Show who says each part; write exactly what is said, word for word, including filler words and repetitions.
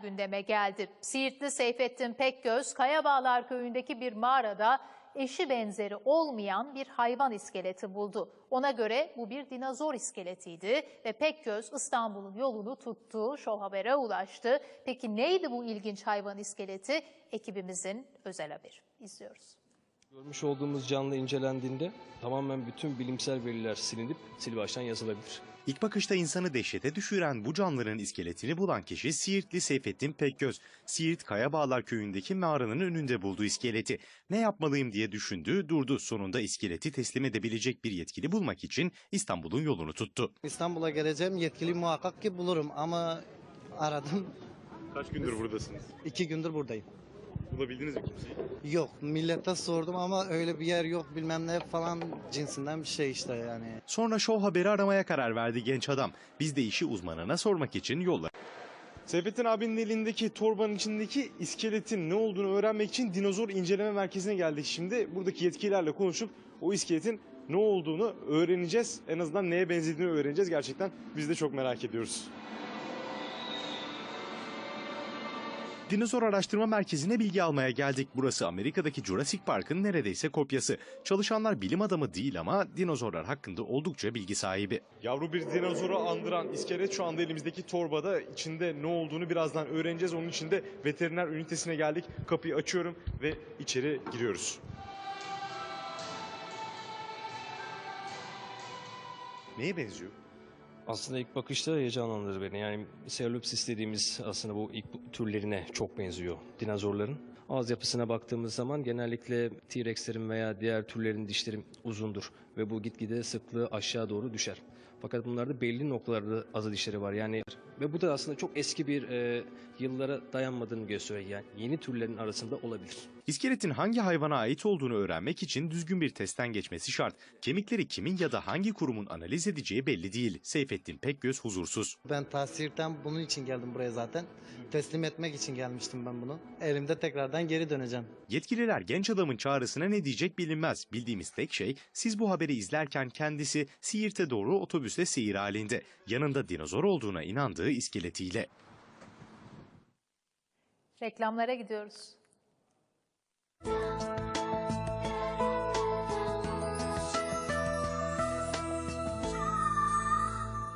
Speaker 1: gündeme geldi. Siirtli Seyfettin Pekgöz, Kayabağlar köyündeki bir mağarada eşi benzeri olmayan bir hayvan iskeleti buldu. Ona göre bu bir dinozor iskeletiydi ve Pekgöz İstanbul'un yolunu tuttu, Show Haber'e ulaştı. Peki neydi bu ilginç hayvan iskeleti? Ekibimizin özel haberi. İzliyoruz.
Speaker 2: Görmüş olduğumuz canlı incelendiğinde tamamen bütün bilimsel veriler silinip sil baştan yazılabilir.
Speaker 3: İlk bakışta insanı dehşete düşüren bu canlıların iskeletini bulan kişi Siirtli Seyfettin Pekgöz. Siirt Kayabağlar köyündeki mağaranın önünde bulduğu iskeleti. Ne yapmalıyım diye düşündü, durdu. Sonunda iskeleti teslim edebilecek bir yetkili bulmak için İstanbul'un yolunu tuttu.
Speaker 4: İstanbul'a geleceğim, yetkili muhakkak ki bulurum ama aradım.
Speaker 3: Kaç gündür buradasınız?
Speaker 4: İki gündür buradayım.
Speaker 3: Bulabildiniz mi kimseyi?
Speaker 4: Yok, millete sordum ama öyle bir yer yok, bilmem ne falan cinsinden bir şey işte yani.
Speaker 3: Sonra Show Haber'i aramaya karar verdi genç adam. Biz de işi uzmanına sormak için yolla.
Speaker 5: Seyfettin abinin elindeki torbanın içindeki iskeletin ne olduğunu öğrenmek için dinozor inceleme merkezine geldik şimdi. Buradaki yetkililerle konuşup o iskeletin ne olduğunu öğreneceğiz. En azından neye benzediğini öğreneceğiz. Gerçekten biz de çok merak ediyoruz.
Speaker 3: Dinozor Araştırma Merkezi'ne bilgi almaya geldik. Burası Amerika'daki Jurassic Park'ın neredeyse kopyası. Çalışanlar bilim adamı değil ama dinozorlar hakkında oldukça bilgi sahibi.
Speaker 5: Yavru bir dinozoru andıran iskelet şu anda elimizdeki torbada. İçinde ne olduğunu birazdan öğreneceğiz. Onun için de veteriner ünitesine geldik. Kapıyı açıyorum ve içeri giriyoruz.
Speaker 3: Neye benziyor?
Speaker 2: Aslında ilk bakışta heyecanlandırır beni. Yani Ceratopsis dediğimiz aslında bu ilk türlerine çok benziyor dinozorların. Ağız yapısına baktığımız zaman genellikle T-Rex'lerin veya diğer türlerin dişleri uzundur ve bu gitgide sıklığı aşağı doğru düşer. Fakat bunlarda belli noktalarda azı dişleri var. Yani ve bu da aslında çok eski bir e, yıllara dayanmadığını gösteriyor. Yani yeni türlerin arasında olabilir.
Speaker 3: İskeletin hangi hayvana ait olduğunu öğrenmek için düzgün bir testten geçmesi şart. Kemikleri kimin ya da hangi kurumun analiz edeceği belli değil. Seyfettin Pekgöz huzursuz.
Speaker 4: Ben Tahsir'den bunun için geldim buraya zaten. Teslim etmek için gelmiştim ben bunu. Elimde tekrardan geri döneceğim.
Speaker 3: Yetkililer genç adamın çağrısına ne diyecek bilinmez. Bildiğimiz tek şey siz bu haberi izlerken kendisi Siirt'e doğru otobüsle seyir halinde. Yanında dinozor olduğuna inandığı iskeletiyle.
Speaker 1: Reklamlara gidiyoruz.